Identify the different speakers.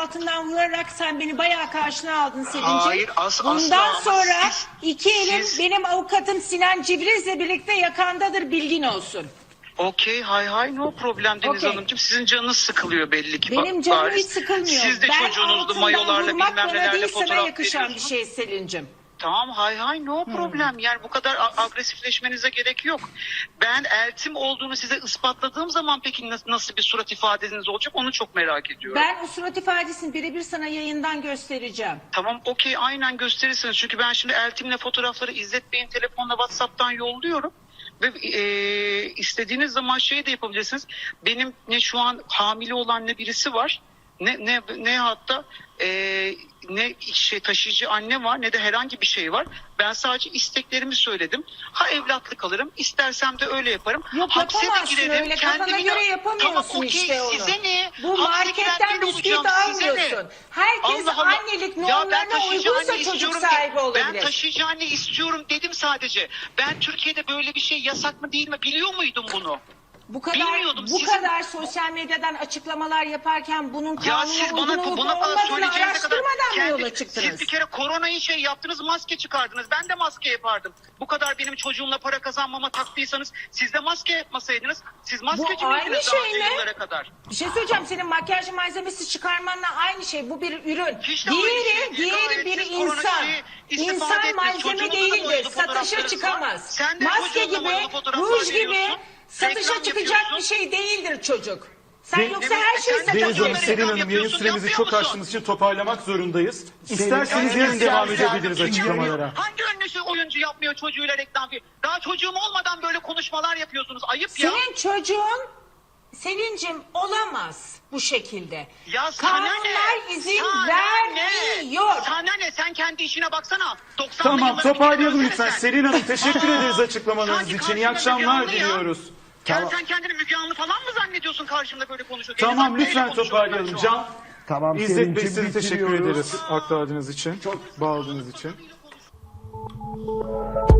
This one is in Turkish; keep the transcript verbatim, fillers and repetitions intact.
Speaker 1: altından vurarak sen beni bayağı karşına aldın Selin'ciğim.
Speaker 2: Hayır, as- asla
Speaker 1: Bundan
Speaker 2: ama
Speaker 1: sonra
Speaker 2: siz-
Speaker 1: iki elim
Speaker 2: siz-
Speaker 1: benim avukatım Sinan Cibriz'le birlikte yakandadır, bilgin olsun.
Speaker 2: Okey, hay hay, no problem Deniz
Speaker 1: Okey.
Speaker 2: Hanımcığım. Sizin canınız sıkılıyor belli ki.
Speaker 1: Benim
Speaker 2: ba-
Speaker 1: canım
Speaker 2: bariz.
Speaker 1: hiç sıkılmıyor.
Speaker 2: Siz de
Speaker 1: ben
Speaker 2: çocuğunuzla
Speaker 1: altından
Speaker 2: mayolarla
Speaker 1: vurmak
Speaker 2: bilmem
Speaker 1: bana
Speaker 2: nelerle
Speaker 1: değil, sana
Speaker 2: fotoğraf
Speaker 1: yakışan bir
Speaker 2: veriyorsunuz.
Speaker 1: şey Selin'cim.
Speaker 2: Tamam, hay hay, no problem. Yani bu kadar a- agresifleşmenize gerek yok. Ben eltim olduğunu size ispatladığım zaman peki nasıl, nasıl bir surat ifadeniz olacak onu çok merak ediyorum.
Speaker 1: Ben o surat ifadesini birebir sana yayından göstereceğim.
Speaker 2: Tamam, okey, aynen gösterirsiniz. Çünkü ben şimdi eltimle fotoğrafları İzzet Bey'in telefonla WhatsApp'tan yolluyorum. Ve e, istediğiniz zaman şey de yapabilirsiniz. Benim ne şu an hamile olan ne birisi var, ne ne ne hatta e, ne şey taşıyıcı anne var, ne de herhangi bir şey var. Ben sadece isteklerimi söyledim. Ha evlatlık alırım, istersem de öyle yaparım.
Speaker 1: Yok,
Speaker 2: Hapse de
Speaker 1: yapamazsın
Speaker 2: girerim,
Speaker 1: öyle, kafana
Speaker 2: kendimi de-
Speaker 1: göre yapamıyorsun
Speaker 2: Tamam, okey,
Speaker 1: işte onu.
Speaker 2: size ne?
Speaker 1: Bu
Speaker 2: Hapse
Speaker 1: marketten
Speaker 2: giren ben
Speaker 1: bisküvit
Speaker 2: olacağım, size ne?
Speaker 1: almıyorsun. Herkes
Speaker 2: Allah Allah.
Speaker 1: annelik
Speaker 2: Ya ben
Speaker 1: normlarına
Speaker 2: taşıyıcı
Speaker 1: uygunsa
Speaker 2: anne
Speaker 1: çocuk
Speaker 2: istiyorum
Speaker 1: sahibi
Speaker 2: de-
Speaker 1: olabilir.
Speaker 2: Ben taşıyıcı anne istiyorum dedim sadece. Ben Türkiye'de böyle bir şey yasak mı değil mi biliyor muydum bunu?
Speaker 1: Bu kadar
Speaker 2: Bilmiyordum,
Speaker 1: bu
Speaker 2: sizin-
Speaker 1: kadar sosyal medyadan açıklamalar yaparken bunun
Speaker 2: Ya
Speaker 1: kanuna
Speaker 2: siz
Speaker 1: uygun
Speaker 2: bana
Speaker 1: olup
Speaker 2: buna bana
Speaker 1: olmadığını
Speaker 2: söyleyeceğinize kadar
Speaker 1: araştırmadan mı
Speaker 2: kendi-
Speaker 1: yola çıktınız?
Speaker 2: siz bir kere koronayı şey yaptınız, maske çıkardınız. Ben de maske yapardım. Bu kadar benim çocuğumla para kazanmama taktıysanız siz de maske yapmasaydınız. Siz maskeci
Speaker 1: aynı
Speaker 2: miydiniz daha
Speaker 1: şey
Speaker 2: önce
Speaker 1: mi?
Speaker 2: yıllara kadar?
Speaker 1: Bir şey söyleyeceğim, senin makyaj malzemesi çıkarmanla aynı şey. Bu bir ürün.
Speaker 2: Hiç de aynı
Speaker 1: diğeri
Speaker 2: şey değil.
Speaker 1: diğeri
Speaker 2: Gayet
Speaker 1: bir
Speaker 2: siz korona
Speaker 1: insan.
Speaker 2: şeyi istifade
Speaker 1: İnsan
Speaker 2: ettiniz.
Speaker 1: malzeme
Speaker 2: Çocuğunuzun da
Speaker 1: değildir.
Speaker 2: boyalı
Speaker 1: Satışa
Speaker 2: fotoğraflarınız var.
Speaker 1: çıkamaz.
Speaker 2: Sen de
Speaker 1: Maske
Speaker 2: çocuğunla
Speaker 1: gibi,
Speaker 2: boyalı fotoğraflar
Speaker 1: ruj gibi
Speaker 2: veriyorsun.
Speaker 1: satışa
Speaker 2: Reklam
Speaker 1: çıkacak
Speaker 2: yapıyorsun.
Speaker 1: bir şey değildir çocuk. Sen
Speaker 3: Deniz-
Speaker 1: yoksa her şeyi
Speaker 2: Deniz
Speaker 3: Deniz Hanım,
Speaker 2: Reklam
Speaker 1: satabilirsin.
Speaker 3: Selin Hanım, yayın
Speaker 2: yapıyorsun,
Speaker 3: süremizi
Speaker 2: yapıyor
Speaker 3: çok
Speaker 2: musun?
Speaker 3: aştığımız için toparlamak zorundayız. İsterseniz
Speaker 2: Yani
Speaker 3: yarın
Speaker 2: siz-
Speaker 3: devam
Speaker 2: siz-
Speaker 3: edebiliriz
Speaker 2: siz-
Speaker 3: açıklamalara.
Speaker 2: Hangi ünlüsü oyuncu yapmıyor çocuğuyla reklam filmi? Daha çocuğum olmadan böyle konuşmalar yapıyorsunuz. Ayıp ya.
Speaker 1: Senin çocuğun Selin'cim olamaz bu şekilde.
Speaker 2: Ya sana
Speaker 1: Kanunlar
Speaker 2: ne?
Speaker 1: izin
Speaker 2: Sana
Speaker 1: vermiyor.
Speaker 2: Ne? Sana ne? Sen kendi işine baksana. doksanlı
Speaker 3: Tamam,
Speaker 2: yıllara bir kere
Speaker 3: toparlayalım
Speaker 2: dönsene
Speaker 3: lütfen.
Speaker 2: sen.
Speaker 3: Selin Hanım, teşekkür
Speaker 2: Aa,
Speaker 3: ederiz açıklamalarınız
Speaker 2: sanki
Speaker 3: için. İyi
Speaker 2: karşımda
Speaker 3: akşamlar
Speaker 2: Müge Anlı ya.
Speaker 3: diliyoruz.
Speaker 2: Ya
Speaker 3: Tamam.
Speaker 2: sen kendini Müge Anlı falan mı zannediyorsun karşımda böyle konuşuyorsun?
Speaker 3: Tamam,
Speaker 2: Elif Hanım'la
Speaker 3: lütfen
Speaker 2: konuşuyorum
Speaker 3: toparlayalım.
Speaker 2: ben şu an.
Speaker 3: Can,
Speaker 4: Tamam,
Speaker 3: İzzet Bey,
Speaker 4: Selin'cim,
Speaker 3: size teşekkür
Speaker 4: bitiriyoruz.
Speaker 3: ederiz aktardığınız için, çok bağladığınız için.